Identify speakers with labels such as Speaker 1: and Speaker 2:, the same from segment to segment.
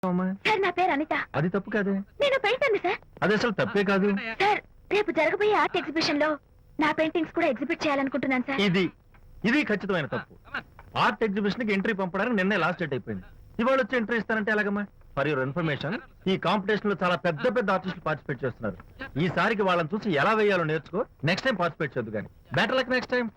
Speaker 1: Sir నా పేరు అనిత.
Speaker 2: అది తప్పు కాదే.
Speaker 1: నేను పెయింటర్ సార్.
Speaker 2: అది అసలు తప్పే కాదు
Speaker 1: సార్. రేపు జరగబోయే ఆర్ట్ ఎగ్జిబిషన్ లో నా పెయింటింగ్స్ కూడా ఎగ్జిబిట్ చేయాలనుకుంటున్నాను సార్.
Speaker 2: ఇది ఖచ్చితమైన తప్పు. ఆర్ట్ ఎగ్జిబిషన్ కి ఎంట్రీ పంపడానికి నిన్నే లాస్ట్ డేట్ అయిపోయింది. ఇవాళ వచ్చి ఎంట్రీ ఇస్తానంటే ఎలాగమ్మా? ఫర్ యువర్ ఇన్ఫర్మేషన్, ఈ కాంపిటీషన్ లో చాలా పెద్ద పెద్ద ఆర్టిస్టులు పార్టిసిపేట్ చేస్తున్నారు. ఈసారికి వాళ్ళని చూసి ఎలా వేయాలో నేర్చుకో. నెక్స్ట్ టైం పార్టిసిపేట్ చేయొద్దు కానీ. Better luck next time.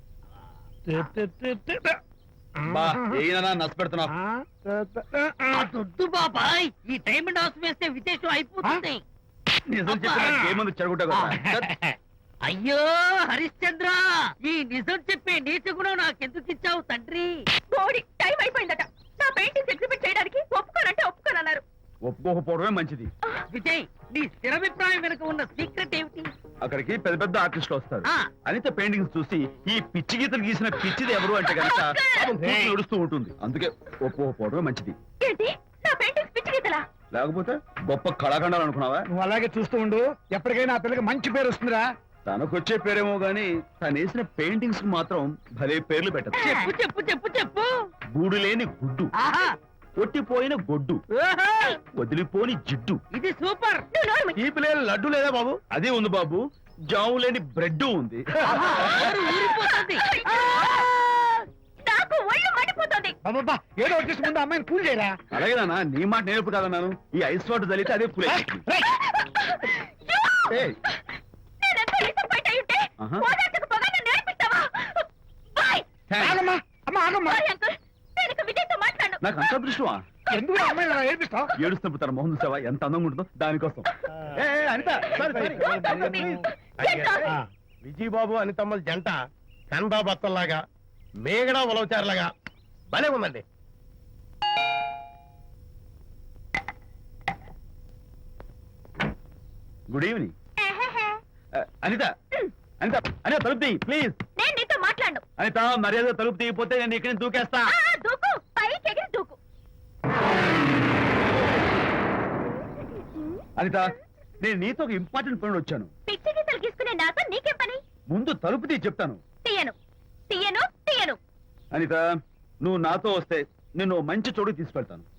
Speaker 3: దొద్దు బాబాయ్, ఈ డైమండ్ హౌస్ వేస్తే విశేషం అయిపోతుంది.
Speaker 2: నిజం చెప్పి
Speaker 3: అయ్యో హరిశ్చంద్ర, ఈ నిజం చెప్పే నీచ గుణం నాకెందుకు ఇచ్చావు తండ్రి?
Speaker 1: బోడి టైం అయిపోయిందట. నా పెయింటింగ్స్ ఎగ్జిబిట్ చేయడానికి ఒప్పుకోనంటే ఒప్పుకోనన్నారు.
Speaker 2: ఒప్పుకోకపోవడమే మంచిది.
Speaker 3: విజయ్, నీ స్థిరాభిప్రాయం వెనుక ఉన్న సీక్రెట్ ఏమిటి?
Speaker 2: అక్కడికి పెద్ద పెద్ద ఆర్టిస్టులు వస్తారు.
Speaker 3: ఆ.
Speaker 2: అనిత పెయింటింగ్స్ చూసి ఈ పిచ్చి గీతలు గీసిన పిచ్చిది ఎవరు అంటే కనుక నడుస్తూ ఉంటుంది. అందుకే ఒప్పుకోకపోవడమే మంచిది.
Speaker 1: ఏంటి నా పెయింటింగ్స్ పిచ్చి గీతలా?
Speaker 2: లేకపోతే గొప్ప కళాఖండాలు అనుకున్నావా?
Speaker 4: నువ్వు అలాగే చూస్తూ ఉండు, ఎప్పటికైనా ఆ పిల్లకి మంచి పేరు వస్తుందిరా.
Speaker 2: తనకొచ్చే పేరేమో గాని తను వేసిన పెయింటింగ్స్ కు మాత్రం భలే పేర్లు పెట్టదు.
Speaker 3: చెప్పు చెప్పు చెప్పు చెప్పు.
Speaker 2: గూడు లేని గుడ్డు,
Speaker 3: ఆహా,
Speaker 2: కొట్టిపోయిన గొడ్డు,
Speaker 3: ఓహో,
Speaker 2: వదిలిపోని జిడ్డు.
Speaker 3: ఇది సూపర్.
Speaker 2: ఈ పిల్లల లడ్డు లేదా బాబు? అదే ఉంది బాబు. జాము లేని బ్రెడ్ ఉంది.
Speaker 3: ఆహా, నోరు ఊరిపోతుంది.
Speaker 1: నాకు ఒళ్ళు మండిపోతుంది.
Speaker 4: అబ్బబ్బా, ఏదో వచ్చేసి ముందు అమ్మాయిని కూల్ చేయరా.
Speaker 2: అలాగే నాన్న, నీ మాట నేర్పు కాదన్నాను. ఈ ఐస్ వాటర్ చలితే అదే కూల్.
Speaker 1: నేనెంత డిసప్పాయింట్ అయి ఉంటే
Speaker 2: ఆహా.
Speaker 1: ఓదార్చకు పోగా నన్ను నేర్పిస్తావా? బాయ్.
Speaker 4: ఆగమ్మా, అమ్మ ఆగమ్మా.
Speaker 1: సారీ అంకుల్, నేను ఇక విజయ్తో మాట్లాడను.
Speaker 2: నాకు అంత దృష్టమా?
Speaker 4: ఎందుకు ఆ అమ్మాయిని అలా ఏడిపిస్తావు?
Speaker 2: ఏడుస్తున్నప్పుడు తన మొహం చూసావా ఎంత అందంగా ఉంటుందో? దానికోసం. అనిత,
Speaker 5: విజయబాబు అనితమ్మల జంట కన్బా బత్తల్లాగా మేగడా ఉలవచారులాగా భలే ఉందండి.
Speaker 2: Good evening. అనిత, అనిత, అనిత తలుపు తీ ప్లీజ్.
Speaker 1: నేను నీతో మాట్లాడను.
Speaker 2: అనిత, మర్యాద తలుపు తీయకపోతే నేను ఇక్కడి నుంచి దూకేస్తా.
Speaker 1: దూకు, పైకి ఎగిరి దూకు.
Speaker 2: అనిత, నేను నీతో ఒక ఇంపార్టెంట్ పని వచ్చాను.
Speaker 1: పిచ్చి గీతలు గీసుకునే నాతో నీకేం పని?
Speaker 2: ముందు తలుపు తీ చెప్తాను.
Speaker 1: తీయను తీయను తీయను.
Speaker 2: అనిత, నువ్వు నాతో వస్తే నిన్ను మంచి చోటుకి తీసుకెళ్తాను.